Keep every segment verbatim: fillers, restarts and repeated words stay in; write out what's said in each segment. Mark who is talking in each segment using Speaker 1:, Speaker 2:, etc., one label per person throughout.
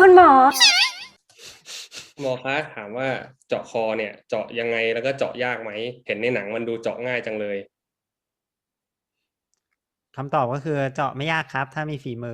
Speaker 1: คุณหมอ
Speaker 2: หมอคะถามว่าเจาะคอเนี่ย เจาะยังไงแล้วก็เจาะยากไหมเห็นในหนังมันดูเจาะง่ายจังเลย
Speaker 3: คำตอบก็คือเจาะไม่ยากครับ ถ้ามีฝีมือ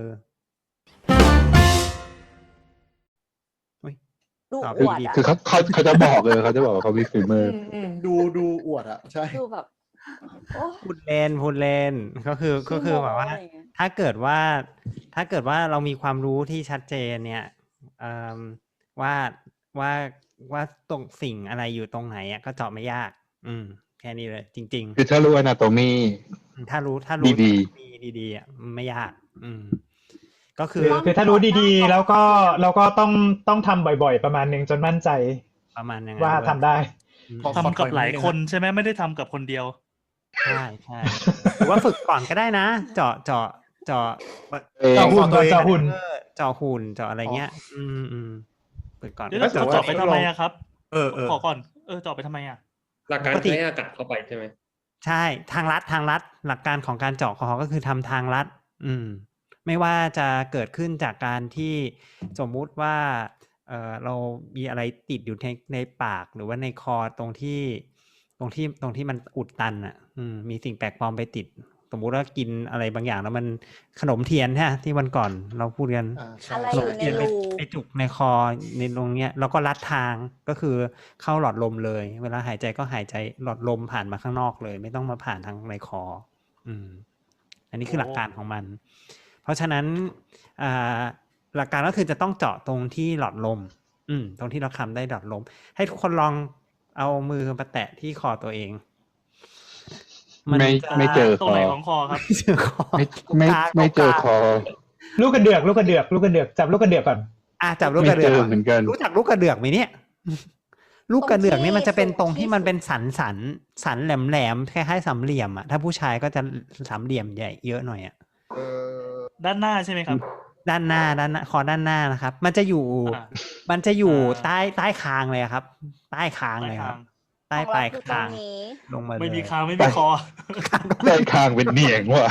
Speaker 1: ดู
Speaker 3: ตอบ
Speaker 1: อวด
Speaker 3: ดี
Speaker 1: อ่ะ
Speaker 4: คือเขาเขาเขาจะบอกเลยเขาจะบอกว่าเขามีฝีมือ
Speaker 5: อืมอืมดูดูอวดอ่ะใช่
Speaker 1: ดูแบบโอ้
Speaker 3: พูดเล่นพูดเล่นก็คือก็คือแบบว่า
Speaker 1: ขี้โม้อะไรเงี้ย
Speaker 3: ถ้าเกิดว่าถ้าเกิดว่าเรามีความรู้ที่ชัดเจนเนี่ยเอ่อว่าว่าว่าตรงสิ่งอะไรอยู่ตรงไหนอ่ะก็เจาะไม่ยาก อืม แค่นี้เลย จริง
Speaker 4: คือถ้ารู้อนาโตมี
Speaker 3: ๆ ถ้ารู้ถ้ารู้
Speaker 4: ดี
Speaker 3: มีดีๆอ่ะไม่ยาก อืม ก็คื
Speaker 6: คือ อคือถ้ารู้ดีๆ แล้วก็แล้วก็ต้องต้องทำบ่อยๆ ประมาณหนึ่งจนมั่นใจ
Speaker 3: ประมาณอย่าง
Speaker 6: ว่า
Speaker 3: นั้น
Speaker 6: ทำได้
Speaker 3: อืม
Speaker 5: ขอ
Speaker 7: ทำกับหลายคนใช่ไหมไม่ได้ทำกับคนเดียว
Speaker 3: ใช่ใช่หรือว่าฝึกก่อนก็ได้นะ เจาะเจาะเจาะ
Speaker 4: เอง
Speaker 6: เจาะหุ่นก่อนเจาะหุ่น
Speaker 3: เออเจาะหุ่นเจาะอะไรเงี้ย อืมอืมฝึกก่อน
Speaker 7: เดี๋ยว
Speaker 5: แต่
Speaker 7: เรา
Speaker 5: ว่า
Speaker 7: เจาะไปทำไมอะครับ
Speaker 5: เออเออ
Speaker 7: ขอก่อน เออเจาะไปทำไมอะ
Speaker 2: หลักการ
Speaker 3: ปกติ
Speaker 2: ใช้อากาศเข้าไปใช่ไหม
Speaker 3: ใช่ทางลัดทางลัดหลักการของการเจาะคอก็คือทำทางลัด อืม ไม่ว่าจะเกิดขึ้นจากการที่สมมุติว่าเออเรามีอะไรติดอยู่ในในปากหรือว่าในคอตรงที่ ตรงที่ตรงที่มันอุดตันอ่ะ อืม มีสิ่งแปลกปลอมไปติด สมมุติว่ากินอะไรบางอย่างแล้วมันขนมเทียนใช่ไหมที่วันก่อนเราพูดกัน
Speaker 5: อ่าใช่
Speaker 1: อะไร
Speaker 3: ข
Speaker 1: อน ยู่
Speaker 3: ม
Speaker 1: ใน
Speaker 3: เทียนไป
Speaker 1: รู
Speaker 3: ไปจุกในคอในตรงเนี้ยแล้วก็รัดทางก็คือเข้าหลอดลมเลย เวลาหายใจก็หายใจหลอดลมผ่านมาข้างนอกเลย ไม่ต้องมาผ่านทางในคอ อืม อันนี้คือหลักการของมัน เพราะฉะนั้นอ่าหลักการก็คือจะต้องเจาะตรงที่หลอดลม อืม ตรงที่เราคำได้หลอดลม ให้ทุกคนลองเอามือมาแตะที่คอตัวเอง
Speaker 4: ไม่
Speaker 3: จะ
Speaker 4: ไม่เจอ
Speaker 7: ตรงไหนของคอครับ
Speaker 3: ไม่เจอคอ
Speaker 4: ไม่
Speaker 3: ตรง
Speaker 4: ไม่
Speaker 3: กลาง
Speaker 4: ไม่เจอ
Speaker 3: ตรง
Speaker 4: ค
Speaker 3: กลาง
Speaker 4: อ
Speaker 6: ลูกกระเดือกลูกกระเดือกลูกกระเดือกจับลูกกระเดือกก่อน
Speaker 3: อ่ะจับลูก
Speaker 4: ไม่
Speaker 3: กระเดื
Speaker 4: เจ
Speaker 3: อก
Speaker 4: อ
Speaker 3: ก่อน
Speaker 4: เหมือนกัน
Speaker 3: รู้จักลูกกระเดือกไหมเนี่ย ลูกกระเดือกนี่มันจะเป็น
Speaker 1: ต
Speaker 3: ต
Speaker 1: ร
Speaker 3: รง ง
Speaker 1: ที่
Speaker 3: ที่มันเป็นสันสันสันแหลมแหลมๆคล้ายๆสามเหลี่ยมอ่ะถ้าผู้ชายก็จะสามเหลี่ยมใหญ่เยอะหน่อยอ่ะ
Speaker 5: เออ
Speaker 7: ด้านหน้าใช่ไหมครับ
Speaker 3: ด้านหน้าด้านหน้าคอด้านหน้านะครับ มันจะอยู่
Speaker 7: อ่า
Speaker 3: มันจะอยู่
Speaker 7: อ่า
Speaker 3: ใต้ใต้คางเลยอะครับ ใต้คาง
Speaker 7: ใต้
Speaker 3: เลยค
Speaker 7: คา
Speaker 3: รับ
Speaker 7: ง
Speaker 3: ใต้
Speaker 1: ของ
Speaker 3: ป
Speaker 1: เรา
Speaker 3: ลาย
Speaker 1: คือตร
Speaker 3: คาง ง
Speaker 1: นี้
Speaker 3: ลงมาเลย
Speaker 7: ไม่มีคางไม่มีคอ
Speaker 4: ใต้คางเป็นเหนียงว่ะ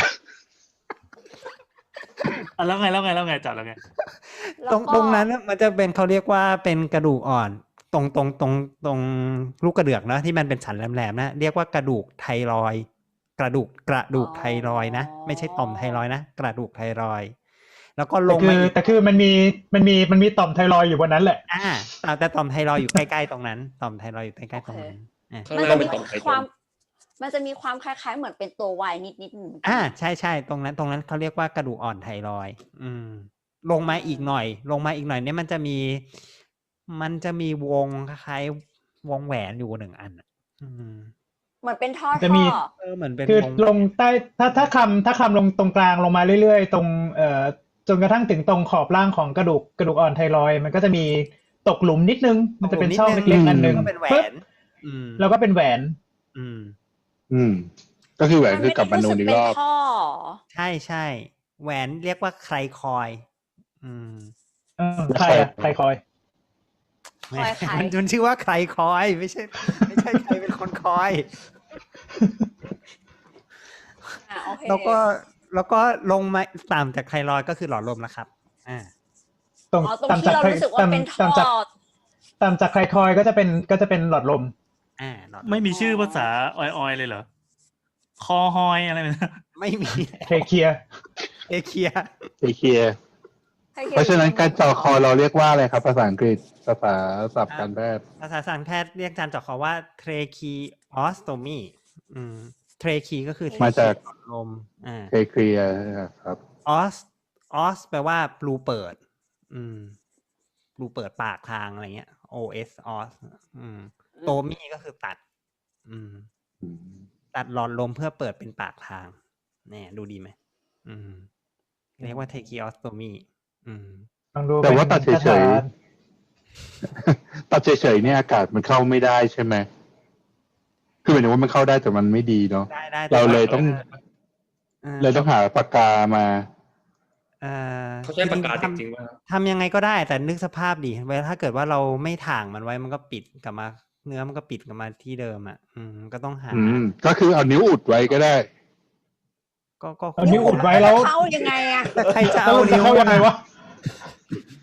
Speaker 7: อ่ะแล้วไงแล้วไงแล้วไงจับแล้วไง
Speaker 1: แล้ว
Speaker 3: ตรง
Speaker 1: ก็
Speaker 3: ตรงนั้นน่ะมันจะเป็นเขาเรียกว่าเป็นกระดูกอ่อน ตรงตรงตรงตรงลูกกระเดือกนะที่มันเป็นสันแหลมๆนะเรียกว่ากระดูกไทรอยด์กระดูกกระดูกไทรอยด์นะไม่ใช่ต่อมไทรอยด์นะกระดูกไทรอยด์แล้วก็ล
Speaker 6: แต่
Speaker 3: ง
Speaker 6: คื
Speaker 3: มา
Speaker 6: อ
Speaker 3: อีก
Speaker 6: แต่คือมันมีมันมีมันมีต่อมไทรอยด์อยู่บนนั้นแหละ
Speaker 3: อ่าแต่แต่ต่อมไทรอยด์อยู่ใกล้ๆตรงนั้นต่อมไทรอยด์อยู่ใกล้ๆตรงนั้นอ่า
Speaker 2: ข้าง
Speaker 1: มัน
Speaker 2: ล่า
Speaker 1: จะ
Speaker 2: งเป็
Speaker 1: มี
Speaker 2: นต่อมไข
Speaker 1: ควา
Speaker 2: มั
Speaker 1: ม
Speaker 2: น
Speaker 1: มันจะมีความคล้ายๆเหมือนเป็นตัววายนิดนิดๆเหมือนกัน
Speaker 3: อ่าใช่ใช่ตรงนั้นตรงนั้นเขาเรียกว่ากระดูกอ่อนไทรอยด์อืม ลงมาอีกหน่อย ลงมาอีกหน่อยเนี่ยมันจะมี มันจะมีวงคล้ายๆวงแหวนอยู่หนึ่งอันอ่ะอืม
Speaker 1: เหมือนเป็นท่อ
Speaker 6: จะ
Speaker 1: ท่
Speaker 6: มี
Speaker 1: อ
Speaker 3: เออเหมือนเป็น
Speaker 6: คือ
Speaker 3: วง
Speaker 6: ลงใต้ถ้าถ้าคำถ้าคำลงตรงกลางลงมาเรื่อยๆ ตรงเอ่อจนกระทั่งถึงตรงขอบล่างของกระดูกกระดูกอ่อนไทรอยด์มันก็จะมีตกหลุมนิดนึง มันจะเป็นช่องเล็กๆอันหนึ่ง
Speaker 3: ก็เป็นแหว
Speaker 6: ปึ๊บ
Speaker 3: น อืม
Speaker 6: แล้วก็เป็นแหวน
Speaker 3: อืม
Speaker 4: อืม ก็คือแหวน
Speaker 1: มัน
Speaker 4: คือ
Speaker 1: ไม่
Speaker 4: กลับ
Speaker 1: ได้
Speaker 4: มานู
Speaker 1: รู้
Speaker 4: น
Speaker 1: สึก
Speaker 4: อีก
Speaker 1: เป็
Speaker 4: ร
Speaker 1: น
Speaker 4: อบ
Speaker 1: ท่อ
Speaker 3: ใช่ใช่แหวนเรียกว่าไคลคอยด์อืม
Speaker 6: เออใครอะใครคอย
Speaker 1: คอยใคร
Speaker 3: มันมันชื่อว่าไคลคอยด์ไม่ใช่ ไม่ใช่ใครเป็นคนคอย
Speaker 1: อ่ะโอเค
Speaker 3: แล้วก็แล้วก็ลงมาต่ำจากไทรอยด์ก็คือหลอดลมแล้วครับอ่า
Speaker 6: ตรง
Speaker 1: อ๋อตรง
Speaker 6: ตาม
Speaker 1: ที่
Speaker 6: จาก
Speaker 1: เรารู้สึกว่าเป็นท่
Speaker 6: ตามจาก
Speaker 1: อ
Speaker 6: ตามจากใครคอยก็จะเป็นก็จะเป็นหลอดลม
Speaker 3: อ่าหลอดล
Speaker 7: ไม่มีชื่อภาษาออยๆเลยเหรอ คอฮอยอะไรแบบนั้น
Speaker 3: ไม่มี
Speaker 6: เทเคีย
Speaker 3: เอเคีย
Speaker 4: เอเคีย
Speaker 1: ให้คิด
Speaker 4: เพราะฉะนั้นการเจาะคอเราเรียกว่าอะไรครับ ภาษาอังกฤษ ภาษาศัพท์การแพทย์
Speaker 3: ภาษาทางแพทย์เรียกการเจาะคอว่า tracheostomy อืม trache ก็คือ
Speaker 4: มาจาก
Speaker 3: หลอดลมอ่า
Speaker 4: เทเคลียครับ
Speaker 3: os os แปลว่ารูเปิด อืมรูเปิดปากทางอะไรเงี้ย os os อืมโตมี่ก็คือตัด อืม
Speaker 4: อืม
Speaker 3: ตัดหลอดลมเพื่อเปิดเป็นปากทางเนี่ยดูดีไหมอืม เรียกว่า tracheostomy อืม
Speaker 6: ลองดู
Speaker 4: แต่ว่า
Speaker 6: เป็น
Speaker 4: ตัดเฉยๆ
Speaker 6: คาถา
Speaker 4: ตัดเฉยๆเนี่ยอากาศมันเข้าไม่ได้ใช่ไหม คือหมายถึงว่ามันเข้าได้แต่มันไม่ดีเนาะ
Speaker 3: ได้ได้
Speaker 4: เราเลยต้อง
Speaker 3: ออ
Speaker 4: เลยต้องหาปากกามา
Speaker 3: เอ่อ
Speaker 2: เขาใช้ปากกา
Speaker 3: คือ
Speaker 2: จ
Speaker 3: ๆ
Speaker 2: ริงๆว่า
Speaker 3: ทำยังไงก็ได้แต่นึกสภาพดิเวลาถ้าเกิดว่าเราไม่ถ่างมันไว้มันก็ปิดกลับมา เนื้อมันก็ปิดกลับมาที่เดิมอ่ะ อืมก็ต้องหา
Speaker 4: อืม ก็คือเอานิ้วอุดไว้ก็ได้
Speaker 3: ก็ก็
Speaker 6: เอานิ้วอุดไว้แล้ว
Speaker 1: เข้ายังไงอะ
Speaker 3: แต่ใครจะ
Speaker 6: แล้
Speaker 3: เอา
Speaker 6: วจะ
Speaker 3: นิ้ว
Speaker 6: เข้ายังไงวะ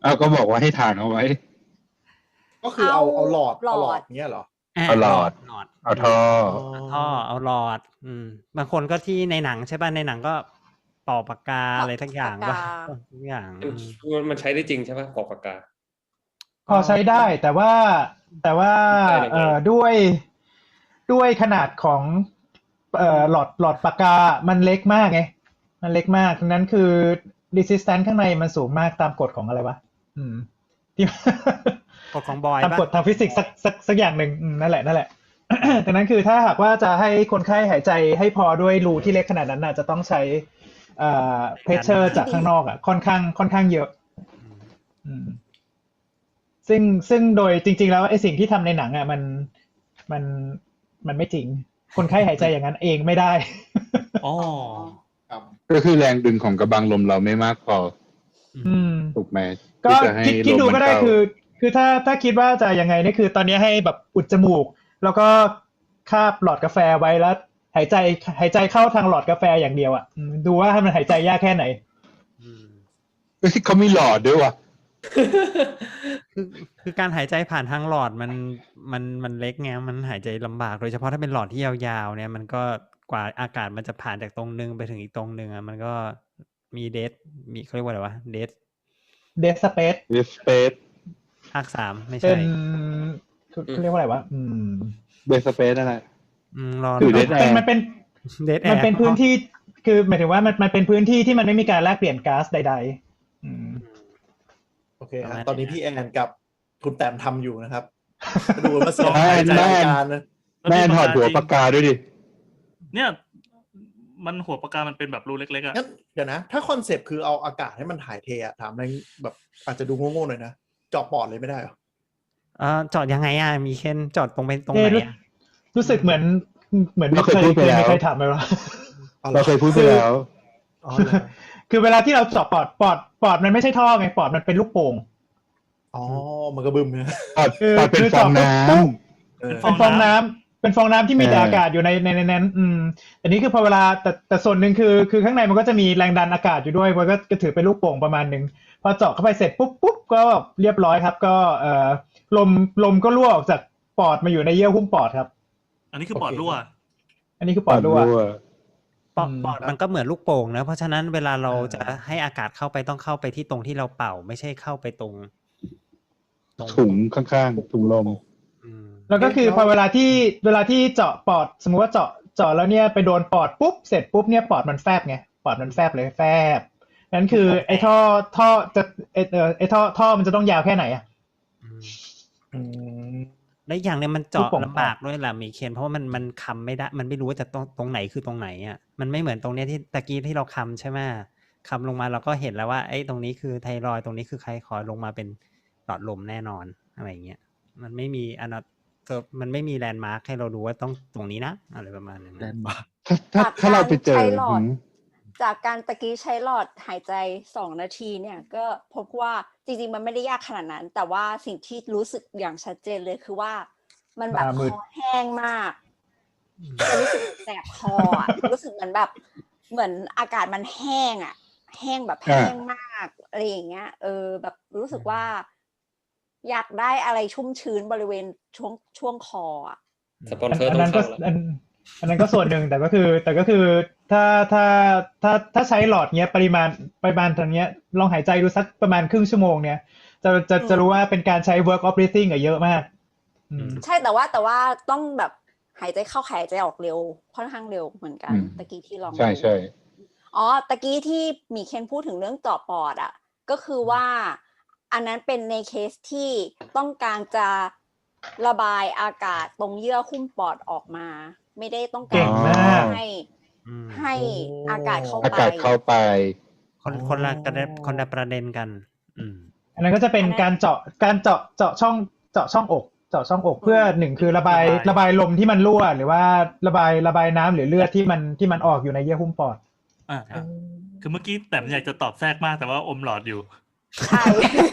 Speaker 4: เอาก็บอกว่าให้ถ่านเอาไว้
Speaker 5: ก็คือเอา
Speaker 1: เอา
Speaker 5: เอาหลอด
Speaker 1: หลอด
Speaker 5: เอาหลอดเนี้ยเหรอ
Speaker 3: ะ
Speaker 4: เอาหลอด
Speaker 3: หลอด
Speaker 4: เอาท่อ
Speaker 3: เอาท่อเอาหลอด อืม บางคนก็ที่ในหนังใช่ป่ะในหนังก็ต่อปากกาอะไรทั้งอย่าง
Speaker 1: ปาก
Speaker 3: ป่ะ
Speaker 1: กา
Speaker 3: ทุกอย่าง
Speaker 2: มัน
Speaker 3: อืม
Speaker 2: มันใช้ได้จริงใช่ปะปอกปากกา
Speaker 6: พอใช้ได้แต่ว่าแต่ว่า
Speaker 2: ได้ยังไง
Speaker 6: เอ่อด้วยด้วยขนาดของเอ่อหลอดหลอดปากกา มันเล็กมากไงมันเล็กมากดังนั้นคือ resistance ข้างในมันสูงมากตามกฎของอะไรวะอืมที่
Speaker 3: กฎของบอย
Speaker 6: ตาม
Speaker 3: ป่ะ
Speaker 6: กฎทางฟิสิกส์สักสักสักอย่างหนึ่งอืมนั่นแหละนั่นแหละ ดังนั้นคือถ้าหากว่าจะให้คนไข้หายใจให้พอด้วยรูที่เล็กขนาดนั้นน่ะจะต้องใช้เอ่อ pressure จากข้างนอกอ่ะค่อนข้างค่อนข้างเยอะ อืมซึ่งซึ่งโดยจริง ๆ แล้วไอ้สิ่งที่ทำในหนังอ่ะมันมันมันไม่จริง คนไข้หายใจอย่างนั้นเองไม่ได้
Speaker 7: อ๋อ
Speaker 5: ครับ
Speaker 4: ก็คือแรงดึงของกระบังลมเราไม่มากพอ
Speaker 6: อืม
Speaker 4: ถูกไหม
Speaker 6: ก็
Speaker 4: ที่จะให้
Speaker 6: คิดคิด
Speaker 4: ลม
Speaker 6: ดู
Speaker 4: มัน
Speaker 6: ก็ได้
Speaker 4: เข้า
Speaker 6: คือ คือถ้าถ้าคิดว่าจะยังไงนี่คือตอนนี้ให้แบบอุดจมูก แล้วก็คาบหลอดกาแฟไว้แล้ว หายใจหายใจเข้าทางหลอดกาแฟอย่างเดียวอ่ะอืมดูว่าให้มันหายใจยากแค่ไหน
Speaker 3: อืม
Speaker 4: เฮ้ยเขามีหลอดด้วยว่ะ
Speaker 3: คือคือการหายใจผ่านทางหลอดมันมันมันเล็กไงมันหายใจลำบากโดยเฉพาะถ้าเป็นหลอดที่ยาวๆเนี่ยมันก็กว่าอากาศมันจะผ่านจากตรงนึงไปถึงอีกตรงนึงอ่ะมันก็มีเดทมีเขาเรียกว่าอะไรวะเดท
Speaker 6: dead space
Speaker 4: Dead Space
Speaker 3: ภาคสามไม่
Speaker 6: เป็
Speaker 3: ใช่
Speaker 6: นเขาเรียกว่าอะไรวะอืม
Speaker 4: Dead Space นั่นแหละ
Speaker 3: อืมรอ
Speaker 4: คือ
Speaker 3: ร
Speaker 4: Dead
Speaker 6: เป็น
Speaker 4: Air
Speaker 6: มันเป็น
Speaker 3: เดทแอ
Speaker 6: มัน
Speaker 3: ร์
Speaker 6: เป็นพื้นที่คือหมายถึงว่ามันมันเป็นพื้นที่ที่มันไม่มีการแลกเปลี่ยนก๊าซใดๆอืม
Speaker 5: โอเคครับตอนนี้พี่แอนกับคุณแต้มทำอยู่นะครับ ดูมาเสียง
Speaker 4: แม่
Speaker 5: หายใจ
Speaker 4: แม่
Speaker 5: รายการนะ
Speaker 7: แล้ว
Speaker 4: แม่
Speaker 7: มี
Speaker 4: ถอดหัว
Speaker 7: จริง
Speaker 4: ปากกาด้วยดิ
Speaker 7: เนี่ย มันหัวปากกามันเป็นแบบรูเล็กๆอะ
Speaker 5: งั้นเดี๋ยวนะ ถ้าคอนเซปต์คือเอาอากาศให้มันถ่ายเทอะถามอะไรแบบอาจจะดูโง่ๆหน่อยนะเจาะปอดเลยไม่ได้เหรอ
Speaker 3: เอ่อจอดยังไงอ่ะมีเคนจอดตรงไปตรงไห
Speaker 6: เอ๊ะ
Speaker 3: น
Speaker 6: รู้
Speaker 3: อ่ะ
Speaker 6: รู้สึกเหมือนเหมือน
Speaker 4: เราเคย
Speaker 6: เคย
Speaker 4: พูดไป
Speaker 6: เคย
Speaker 4: แล้ว
Speaker 6: มีใครถามไหมวะ
Speaker 5: เอา
Speaker 4: เรา
Speaker 5: ละ
Speaker 4: เคยพูดไปแล้ว
Speaker 5: อ๋อเหรอ
Speaker 6: คือเวลาที่เราเจาะปอดปอดปอดมันไม่ใช่ท่อไงปอดมันเป็นลูกโป่ง
Speaker 5: อ๋อมันก็บึมเนี่ย
Speaker 4: ปอด
Speaker 6: คือ
Speaker 4: ปอดเป็น
Speaker 6: คือ
Speaker 4: ฟอง
Speaker 6: เจาะ
Speaker 4: น้
Speaker 6: ปุ๊บ
Speaker 5: เออ
Speaker 6: เป็นฟองน้ำเป็นฟองน้ำที่มี
Speaker 4: เออ
Speaker 6: แต่อากาศอยู่ในในในนั้นอืมอันนี้คือพอเวลาแต่แต่ส่วนหนึ่งคือคือข้างในมันก็จะมีแรงดันอากาศอยู่ด้วยมันก็ก็ถือเป็นลูกโป่งประมาณหนึ่งพอเจาะเข้าไปเสร็จปุ๊บปุ๊บก็เรียบร้อยครับ ก็เอ่อลมลมก็รั่วออกจากปอดมาอยู่ในเยื่อหุ้มปอดครับ
Speaker 7: อันนี้คือปอดรั่ว
Speaker 6: อันนี้คือ
Speaker 4: ำ
Speaker 6: ปอดรั่ว
Speaker 3: ปอด
Speaker 6: อืม
Speaker 3: ปอดมันก็เหมือนลูกโป่งนะเพราะฉะนั้นเวลาเรา
Speaker 5: เออ
Speaker 3: จะให้อากาศเข้าไปต้องเข้าไปที่ตรงที่เราเป่า ไม่ใช่เข้าไปตรงตรง
Speaker 4: ถุงข้างๆถุงลม
Speaker 3: อืม
Speaker 6: แล้วก็คือพอเวลาที่เวลาที่เจาะปอดสมมุติว่าเจาะเจาะแล้วเนี่ยไปโดนปอดปุ๊บเสร็จปุ๊บเนี่ยปอดมันแฟบไงปอดมันแฟบเลยแฟบนั่นคือไอ้ท่อท่อจะไอ้เออไอ้ท่อท่อมันจะต้องยาวแค่ไหนอ่ะ
Speaker 3: อืม
Speaker 5: อืม
Speaker 3: และอย่างเนี่ยมัน
Speaker 6: ลู
Speaker 3: เจาะ
Speaker 6: กโป่ง
Speaker 3: ลำบากด้วยล่ะมีเคนเพราะว่ามันมันคำไม่ได้มันไม่รู้ว่าจะตรงตรงไหนคือตรงไหนอ่ะมันไม่เหมือนตรงเนี้ยที่ตะกี้ที่เราคำใช่ไหมคำลงมาเราก็เห็นแล้วว่าไอ้ยตรงนี้คือไทรอยด์ตรงนี้คือไคคอยด์ลงมาเป็นหลอดลมแน่นอนอะไรเงี้ยมันไม่มีอนามันไม่มีแลนด์มาร์คให้เราดูว่าต้องตรงนี้นะอะไรประมาณนั้น
Speaker 5: แลนด์มาร์ค
Speaker 4: ถ้าถ้า
Speaker 1: จาก
Speaker 4: ถ้าเราไปเจอ
Speaker 1: การใช้หลอด
Speaker 4: หืม
Speaker 1: จากการตะกี้ใช้หลอดหายใจสองนาทีเนี่ยก็พบว่าจริงๆมันไม่ได้ยากขนาดนั้น แต่ว่าสิ่งที่รู้สึกอย่างชัดเจนเลยคือว่า มันแบบ
Speaker 6: หน้ามืด
Speaker 1: คอแห้งมากจะรู้สึกแสบคออ่ะรู้สึกเหมือนแบบเหมือนอากาศมันแห้งอ่ะ แห้งแบบแห้งมากอะไรอย่างเงี้ยเออแบบรู้สึกว่า อยากได้อะไรชุ่มชื้นบริเวณช่วงช่วงคออ่ะ
Speaker 2: สปอนเซอร์
Speaker 6: อัน
Speaker 2: ต้อ
Speaker 6: นั้
Speaker 2: ง
Speaker 6: นก็
Speaker 2: เข้าแล้ว
Speaker 6: อันอันนั้นก็ส่วนหนึ่งแต่ก็คือ แต่ก็คือถ้าถ้าถ้าถ้าใช้หลอดเนี้ยปริมาณปริมาณตรงเนี้ยลองหายใจดูสักประมาณครึ่งชั่วโมงเนี่ยจะจะจะรู้ว่าเป็นการใช้ work of breathing อะเยอะมาก อืม
Speaker 1: ใช่แต่ว่าแต่ว่าต้องแบบหายใจเข้าหายใจออกเร็วค่อนข้างเร็วเหมือนกัน
Speaker 4: อืม
Speaker 1: ตะกี้ที่ลอง
Speaker 4: ใช่
Speaker 1: ดู
Speaker 4: ใช่
Speaker 1: อ๋อตะกี้ที่หมีเคนพูดถึงเรื่องเจาะปอดอ่ะก็คือว่าอันนั้นเป็นในเคสที่ต้องการจะระบายอากาศตรงเยื่อหุ้มปอดออกมา ไม่ได้ต้อง
Speaker 6: เก่
Speaker 1: การ
Speaker 6: งมาก
Speaker 1: ให้
Speaker 3: อืม
Speaker 1: ให้อากาศเข้า
Speaker 4: อา
Speaker 1: ไป
Speaker 4: กาศเข้าไป
Speaker 3: คนคนละกระเด็นคนละประเด็นกัน อืม
Speaker 6: อันนั้นก็จะเป็นการเจาะการเจาะเจาะช่องเจาะช่องอก เจาะช่องอกเพื่อหนึ่งคือระบาย
Speaker 7: ระบาย
Speaker 6: ระบายลมที่มันรั่ว หรือว่าระบายระบายน้ำหรือเลือดที่มันที่มันออกอยู่ในเยื่อหุ้มปอด
Speaker 7: อ่าครับคือเมื่อกี้แต่อยากจะตอบแทรกมากแต่ว่าอมหลอดอยู่
Speaker 1: ใช่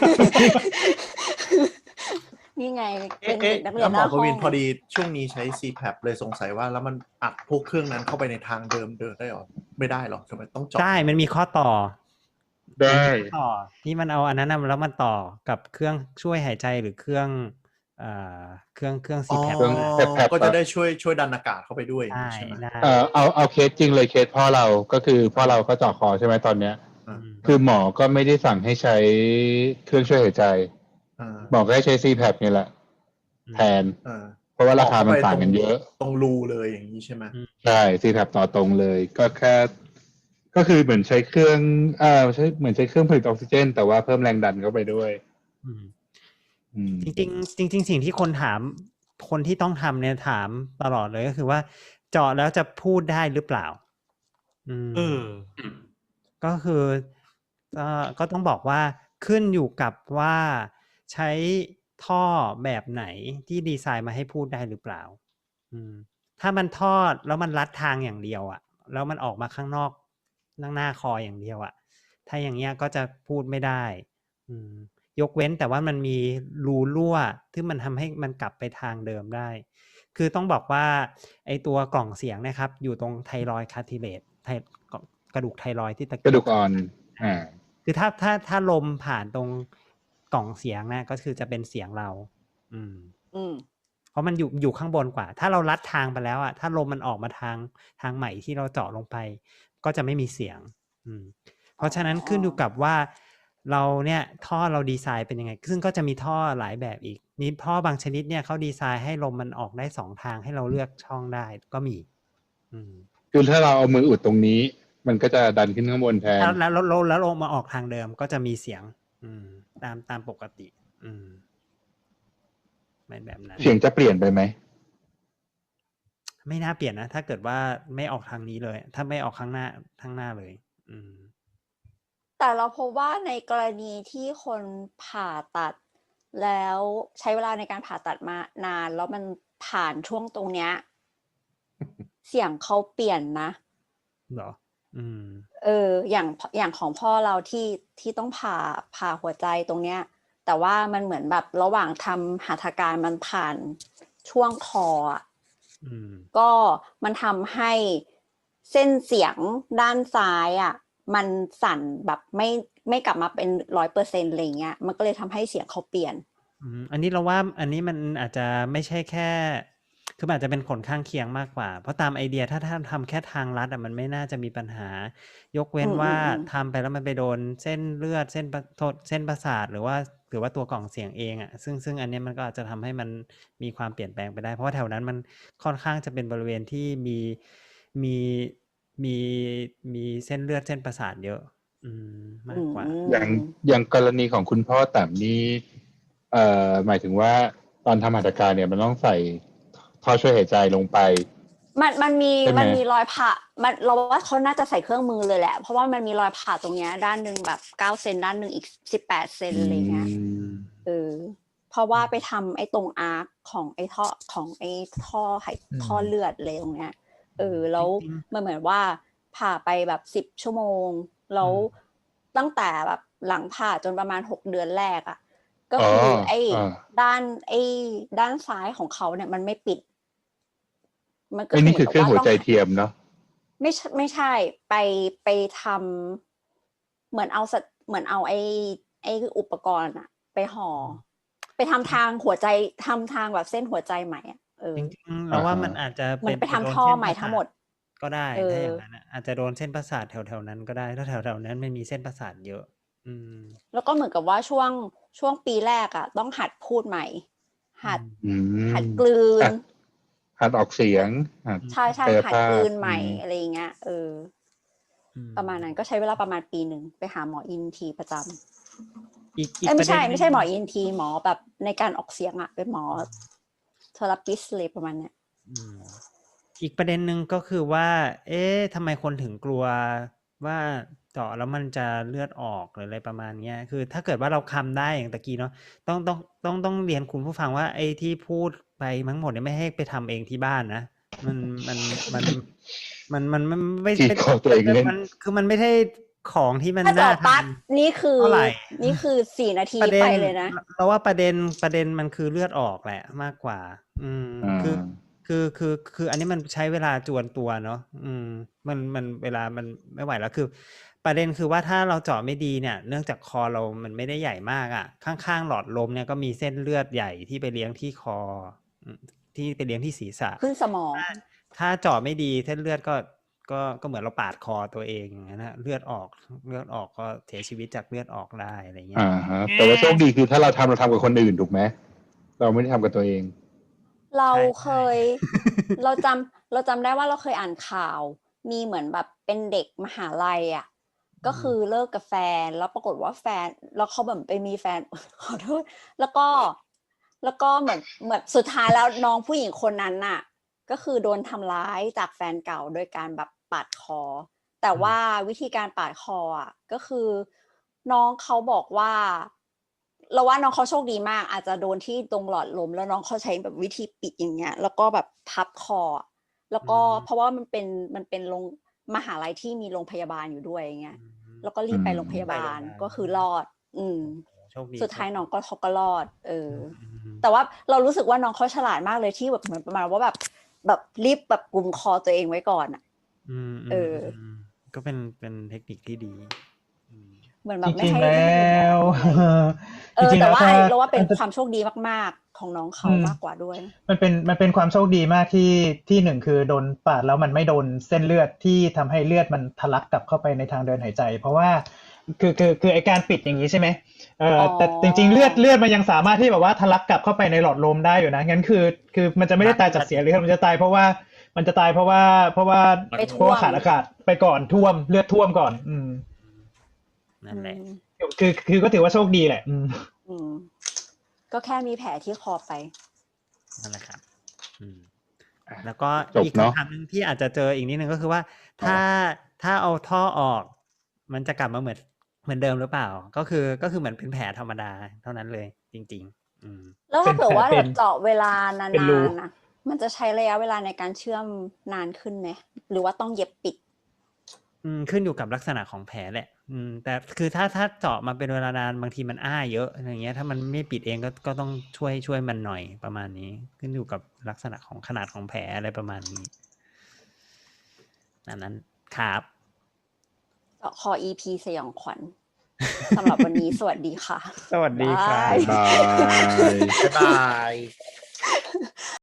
Speaker 1: นี่ไงเป็นเด็
Speaker 5: เอ๊ะ
Speaker 1: กนักเรีย
Speaker 5: แล้
Speaker 1: น
Speaker 5: ว
Speaker 1: ห
Speaker 5: หมอ
Speaker 1: น้า
Speaker 5: ป
Speaker 1: ห้อ
Speaker 5: วิน
Speaker 1: ง
Speaker 5: พอดีช่วงนี้ใช้ ซี แพป เลยสงสัยว่าแล้วมันอัดพวกเครื่องนั้นเข้าไปในทางเดิมเดินได้หรอไม่ได้หรอทำไมต้องเจาะ
Speaker 3: ใช่ มันมีข้อต่อ
Speaker 4: ได้
Speaker 3: ต่อที่มันเอาอันนั้นนะแล้วมันต่อกับเครื่องช่วยหายใจหรือเครื่องเอ่อเครื่องเครื่อง
Speaker 5: อ๋
Speaker 3: ซี
Speaker 5: อ
Speaker 3: แพ
Speaker 4: เครื่อง แพป
Speaker 5: ก็จะ
Speaker 4: อะ
Speaker 5: ได้ช่วยช่วยดันอากาศเข้าไปด้วยอย่าง
Speaker 3: ได้
Speaker 5: นี้ใช่ไหม
Speaker 3: ได้
Speaker 4: เอ่อเอาเอาเคสจริงเลยเคสพ่อเราก็คือพ่อเราก็เจาะคอใช่ไหมตอนเนี้ย
Speaker 5: อ่า
Speaker 4: คือหมอก็ไม่ได้สั่งให้ใช้เครื่องช่วยหายใจ
Speaker 5: อ่า
Speaker 4: หมอก็ให้ใช้ ซี แพป นี่แหละ แทน
Speaker 5: อ่า
Speaker 4: เพราะว่าราคา
Speaker 5: ต่อเข้า
Speaker 4: มัน
Speaker 5: ไป
Speaker 4: ต่าง
Speaker 5: ตรง
Speaker 4: กันเยอะ
Speaker 5: ตรงรูเลยอย่างนี้ใช่ไหม
Speaker 3: อืม
Speaker 4: ใช่ ซี แพป ต่อตรงเลย ก็แค่ ก็คือเหมือนใช้เครื่องอ่าใช้เหมือนใช้เครื่องผลิตออกซิเจน แต่ว่าเพิ่มแรงดันเข้าไปด้วย
Speaker 3: อืม
Speaker 4: อืม
Speaker 3: จริงๆจริง ๆ สิ่งที่คนถามคนที่ต้องทำเนี่ยถามตลอดเลยก็คือว่าเจาะแล้วจะพูดได้หรือเปล่า อืม
Speaker 7: เออ
Speaker 3: ก็คือเอ่อก็ต้องบอกว่าขึ้นอยู่กับว่าใช้ท่อแบบไหนที่ดีไซน์มาให้พูดได้หรือเปล่า อืม ถ้ามันทอดแล้วมันลัดทางอย่างเดียวอะแล้วมันออกมาข้างนอกข้างหน้าคออย่างเดียวอะถ้าอย่างเงี้ยก็จะพูดไม่ได้ อืม ยกเว้นแต่ว่ามันมีรูรั่วที่มันทำให้มันกลับไปทางเดิมได้ คือต้องบอกว่าไอตัวกล่องเสียงนะครับ อยู่ตรงไทรอยด์คาร์ทิเลตไทกระดูกไทรอยด์ที่ตะ
Speaker 4: กระดูกอ่อน อ่า
Speaker 3: คือถ้าถ้าถ้าลมผ่านตรงกล่องเสียงนะก็คือจะเป็นเสียงเรา อืม
Speaker 1: อืม
Speaker 3: เพราะมันอยู่อยู่ข้างบนกว่า ถ้าเราลัดทางไปแล้วอ่ะถ้าลมมันออกมาทางทางใหม่ที่เราเจาะลงไป ก็จะไม่มีเสียง อืม เพราะฉะนั้นขึ้นอยู่กับว่าเราเนี่ยท่อเราดีไซน์เป็นยังไง ซึ่งก็จะมีท่อหลายแบบอีกมีท่อบางชนิดเนี่ยเขาดีไซน์ให้ลมมันออกได้สองทางให้เราเลือกช่องได้ก็มี อืม
Speaker 4: คือถ้าเราเอามืออุดตรงนี้ มันก็จะดันขึ้นข้างบนแทน
Speaker 3: แล้วแล้วแล้วแล้วลงมาออกทางเดิมก็จะมีเสียง อืม ตามตามปกติ อืมไม่แบบนั้น
Speaker 4: เสียงจะเปลี่ยนไปไหม
Speaker 3: ไม่น่าเปลี่ยนนะ ถ้าเกิดว่าไม่ออกทางนี้เลย ถ้าไม่ออกข้างหน้าข้างหน้าเลย อืม
Speaker 1: แต่เราพบว่าในกรณีที่คนผ่าตัด แล้วใช้เวลาในการผ่าตัดมานาน แล้วมันผ่านช่วงตรงเนี้ย เสียงเขาเปลี่ยนนะ
Speaker 3: เหรอ อืม
Speaker 1: เออ อย่างอย่างของพ่อเราที่ที่ต้องผ่าผ่าหัวใจตรงเนี้ย แต่ว่ามันเหมือนแบบระหว่างทำหัตถการมันผ่านช่วงคออ่ะ
Speaker 3: อืม
Speaker 1: ก็มันทำให้เส้นเสียงด้านซ้ายอ่ะ มันสั่นแบบไม่ไม่กลับมาเป็นร้อยเปอร์เซ็นต์อะไรเงี้ย มันก็เลยทำให้เสียงเขาเปลี่ยน
Speaker 3: อืม อันนี้เราว่าอันนี้มันอาจจะไม่ใช่แค่ คือมันอาจจะเป็นผลข้างเคียงมากกว่า เพราะตามไอเดียถ้าท่านทำแค่ทางลัดอ่ะมันไม่น่าจะมีปัญหา ยกเว้น
Speaker 1: อืม
Speaker 3: ว่า
Speaker 1: อืมอืม
Speaker 3: ทำไปแล้วมันไปโดนเส้นเลือดเส้นประโทษเส้นประสาทหรือว่าหรือว่าตัวกล่องเสียงเองอ่ะ ซึ่งซึ่งอันเนี้ยมันก็อาจจะทำให้มันมีความเปลี่ยนแปลงไปได้ เพราะว่าแถวนั้นมันค่อนข้างจะเป็นบริเวณที่มีมีมีมีเส้นเลือดเส้นประสาทเยอะ อืม มากกว่า
Speaker 4: อย่างอย่างกรณีของคุณพ่อแต้มนี่เอ่อหมายถึงว่าตอนทำหัตถการเนี่ยมันต้องใส่ท่อช่วยหายใจลงไป
Speaker 1: มันมันมี
Speaker 4: ใช่ไหม
Speaker 1: มันมีรอยผ่ามันเราว่าเขาน่าจะใส่เครื่องมือเลยแหละ เพราะว่ามันมีรอยผ่าตรงเนี้ยด้านหนึ่งแบบเก้าเซนด้านหนึ่งอีกสิบแปดเซนอะไรเงี้ย
Speaker 4: อืม
Speaker 1: เออ เพราะว่าไปทำไอ้ตรงอาร์คของไอ้ท่อของไอ้ท่อไห
Speaker 5: อืม
Speaker 1: ท่อเลือดเลยตรงเนี้ย เออ แล้ว
Speaker 3: จริง
Speaker 1: มันเหมือนว่าผ่าไปแบบสิบชั่วโมง แล้ว
Speaker 3: อืม
Speaker 1: ตั้งแต่แบบหลังผ่าจนประมาณหกเดือนแรกอ่ะ ก็
Speaker 4: อ๋อ
Speaker 1: คือไอ้
Speaker 4: อ่า
Speaker 1: ด้านไอ้ด้านซ้ายของเขาเนี่ยมันไม่ปิด มันก็
Speaker 4: ไอ้
Speaker 1: คือ
Speaker 4: นี่
Speaker 1: เหมื
Speaker 4: คือ
Speaker 1: อน
Speaker 4: เครื่อง
Speaker 1: กับ
Speaker 4: หัว
Speaker 1: ว่า
Speaker 4: ใจ
Speaker 1: ต้อง
Speaker 4: เทียมเนาะ
Speaker 1: ไม่ใช่ไม่ใช่ไปไปทำเหมือนเอาสัตเหมือนเอาไอ้ไอ้อุปกรณ์อะไปห่อ ไปทำทางหัวใจทำทางแบบเส้นหัวใจใหม่อะเออ
Speaker 3: จริงๆเราว่า
Speaker 4: อ่าฮะ
Speaker 3: มันอาจจะ
Speaker 1: เหมือนไป
Speaker 3: โด
Speaker 1: ทำ
Speaker 3: น
Speaker 1: ท่อ
Speaker 3: เส้น
Speaker 1: ใหม่
Speaker 3: ประ
Speaker 1: ทั้
Speaker 3: สาง
Speaker 1: หม
Speaker 3: ท
Speaker 1: ด
Speaker 3: ก็ได้
Speaker 1: เอ
Speaker 3: ถ้า
Speaker 1: อ
Speaker 3: อย่างนั้นอะอาจจะโดนเส้นประสาทแถวๆนั้นก็ได้ ถ้าแถวๆนั้นไม่มีเส้นประสาทเยอะ อืม
Speaker 1: แล้วก็เหมือนกับว่าช่วงช่วงปีแรกอะต้องหัดพูดใหม่ หัด
Speaker 4: อืม
Speaker 1: หัดกลืน
Speaker 4: หัดหัดออกเสียงหัด
Speaker 1: ใช่ใช่
Speaker 4: กาย
Speaker 1: หัด
Speaker 4: ภาพ
Speaker 1: กลืนใหม่
Speaker 4: อืม
Speaker 1: อะไรอย่างเงี้ยเออ
Speaker 3: อืม
Speaker 1: ประมาณนั้นก็ใช้เวลาประมาณปีหนึ่งไปหาหมออินทีประจำ
Speaker 3: อีกอีก
Speaker 1: เอ้ย
Speaker 3: ป
Speaker 1: ไม่
Speaker 3: ระเด็
Speaker 1: ใช่
Speaker 3: นห
Speaker 1: ไม่
Speaker 3: นึ่ง
Speaker 1: ใช่หมออินทีหมอแบบในการออกเสียงอะเป็นหมอเทอราปิสเลยประมาณเนี้ย
Speaker 3: อืม อีกประเด็นหนึ่งก็คือว่า เอ๊ะทำไมคนถึงกลัวว่าเจาะแล้วมันจะเลือดออกหรืออะไรประมาณเนี้ย คือถ้าเกิดว่าเราคำได้อย่างตะกี้เนาะต้องต้องต้องต้องเรียนคุณผู้ฟังว่าไอ้ที่พูดไปทั้งหมดเนี่ยไม่ให้ไปทำเองที่บ้านนะ มันมันมันมันมันมันไม่
Speaker 4: ที่
Speaker 3: ไม่
Speaker 4: ขอตัวเองเล่น
Speaker 3: มันคือมันไม่ใช่ของที่มัน
Speaker 1: ถ้าเจาะ
Speaker 3: น่าท
Speaker 1: ปั๊บนี่คือ
Speaker 3: เท่าไหร่
Speaker 1: นี่คือสี่นาที
Speaker 3: ำประเด็
Speaker 1: ไป
Speaker 3: น
Speaker 1: เลยนะ
Speaker 3: เราว่าประเด็นประเด็นมันคือเลือดออกแหละมากกว่า อืม
Speaker 4: อ่า
Speaker 3: คือ คือคือคืออันนี้มันใช้เวลาจวนตัวเนาะอืมมันมันเวลามันไม่ไหวแล้วคือประเด็นคือว่าถ้าเราเจาะไม่ดีเนี่ย เนื่องจากคอเรามันไม่ได้ใหญ่มากอ่ะ ข้างๆหลอดลมเนี่ยก็มีเส้นเลือดใหญ่ที่ไปเลี้ยงที่คออืมที่ไปเลี้ยงที่ศีรษะ
Speaker 1: ขึ้นสมอง
Speaker 3: ถ้าถ้าเจาะไม่ดีเส้นเลือดก็ก็ก็เหมือนเราปาดคอตัวเองอย่างนั้นนะเลือดออกเลือดออกก็เสียชีวิตจากเลือดออกได้อะไรเงี้ย
Speaker 4: อ่าฮะแต่ว่าโชคดีคือถ้าเราทำเราทำกับคนอื่นถูกไหมเราไม่ได้ทำกับตัวเอง
Speaker 1: เรา
Speaker 3: ใช่
Speaker 1: เคย เราจำเราจำได้ว่าเราเคยอ่านข่าว มีเหมือนแบบเป็นเด็กมหาลัยอ่ะ ก็คือเลิกกับแฟน แล้วปรากฏว่าแฟน แล้วเขาแบบไปมีแฟน ขอโทษ แล้วก็ แล้วก็เหมือนเหมือนสุดท้ายแล้วน้องผู้หญิงคนนั้นน่ะ ก็คือโดนทำร้ายจากแฟนเก่าโดยการแบบปาดคอ แต่ว่าวิธีการปาดคออ่ะ ก็คือน้องเขาบอกว่า เราว่าน้องเขาโชคดีมาก อาจจะโดนที่ตรงหลอดลม แล้วน้องเขาใช้แบบวิธีปิดอย่างเงี้ย แล้วก็แบบพับคอ แล้วก็
Speaker 3: อืม
Speaker 1: เพราะว่ามันเป็นมันเป็นโรงมหาลัยที่มีโรงพยาบาลอยู่ด้วยอย่างเงี้ย แล้วก็รีบไป
Speaker 4: อืม
Speaker 1: โรงพยาบาล
Speaker 3: ไปโรงพยาบาล
Speaker 1: ก็คือรอด อืม
Speaker 3: โชคดี
Speaker 1: สุดท้ายน้องก็เขาก็รอด เออ
Speaker 3: อืม
Speaker 1: แต่ว่าเรารู้สึกว่าน้องเขาฉลาดมากเลยที่แบบเหมือนประมาณว่าแบบแบบรีบแบบกุมคอตัวเองไว้ก่อนอ่ะ
Speaker 3: อืม
Speaker 1: เออ
Speaker 3: มก็เป็นเป็นเทคนิคที่ดีอืม
Speaker 1: เหมือนแบ
Speaker 6: จ
Speaker 1: บไม่
Speaker 6: ริง
Speaker 1: ให้
Speaker 6: ๆ แล
Speaker 1: ไม่ให้
Speaker 6: ้
Speaker 1: เป็น
Speaker 6: ว
Speaker 1: อะไรเอ
Speaker 6: จ
Speaker 1: อ
Speaker 6: ริงๆ
Speaker 1: แต่
Speaker 6: แล้ว
Speaker 1: ว่า
Speaker 6: ถ้า
Speaker 1: เราว่าเป็น
Speaker 6: มันจะ
Speaker 1: ความโชคดีมากๆ ของน้องเขา
Speaker 6: อืม
Speaker 1: มากกว่าด้วย
Speaker 6: มันเป็นมันเป็นความโชคดีมากที่ที่หนึ่งคือโดนปาดแล้วมันไม่โดนเส้นเลือดที่ทำให้เลือดมันทะลักกลับเข้าไปในทางเดินหายใจ เพราะว่าคือคือคือไอการปิดอย่างนี้ใช่ไหมเออ
Speaker 1: อ๋อ
Speaker 6: แต่จริงๆเลือดเลือดมันยังสามารถที่แบบว่าทะลักกลับเข้าไปในหลอดลมได้อยู่นะงั้นคือคือมันจะไม่ได้ตายจากเสียเลือดมันจะตายเพราะว่ามันจะตายเพราะว่าเพราะว่า
Speaker 1: ไป
Speaker 6: เพ
Speaker 1: ท่
Speaker 6: ราะ
Speaker 1: ว
Speaker 6: ว่าม ขาดอากาศไปก่อนท่วมเลือดท่วมก่อน อืม
Speaker 3: นั่นแหละ
Speaker 1: อืม
Speaker 6: คือคือก็ถือว่าโชคดีแหละ อืม
Speaker 1: อืม ก็แค่มีแผลที่คอไป
Speaker 3: นั่นแหละครับ อืม
Speaker 4: อ่ะ
Speaker 3: แล้วก็
Speaker 4: จบ
Speaker 3: อีก
Speaker 4: เนอะ
Speaker 3: คำถามหนึ่งที่อาจจะเจออีกนิดนึงก็คือว่า ถ้าถ้าเอาท่อออก มันจะกลับมาเหมือนเหมือนเดิมหรือเปล่า ก็คือก็คือเหมือนเป็นแผลธรรมดาเท่านั้นเลย จริง ๆ อืม
Speaker 1: แล้วถ้าเผื่อว่า
Speaker 6: เป็น
Speaker 1: แบบเจาะเวลานาน
Speaker 6: เป็นรู
Speaker 1: ๆนะมันจะใช้ระยะเวลาในการเชื่อมนานขึ้นไหมหรือว่าต้องเย็บปิด
Speaker 3: อืมขึ้นอยู่กับลักษณะของแผลแหละ อืม แต่คือถ้าถ้าเจาะมาเป็นเวลานานบางทีมันอ้าเยอะอะไรเงี้ย ถ้ามันไม่ปิดเองก็ก็ต้องช่วยช่วยมันหน่อยประมาณนี้ ขึ้นอยู่กับลักษณะของขนาดของแผลอะไรประมาณนี้นั่นนั้นครับ
Speaker 1: เจาะคอ อี พี สยองขวัญ สำหรับวันนี้ สวัสดีค่ะ
Speaker 3: สวัสดีครับ
Speaker 1: าย
Speaker 4: บาย
Speaker 5: บ๊ายบาย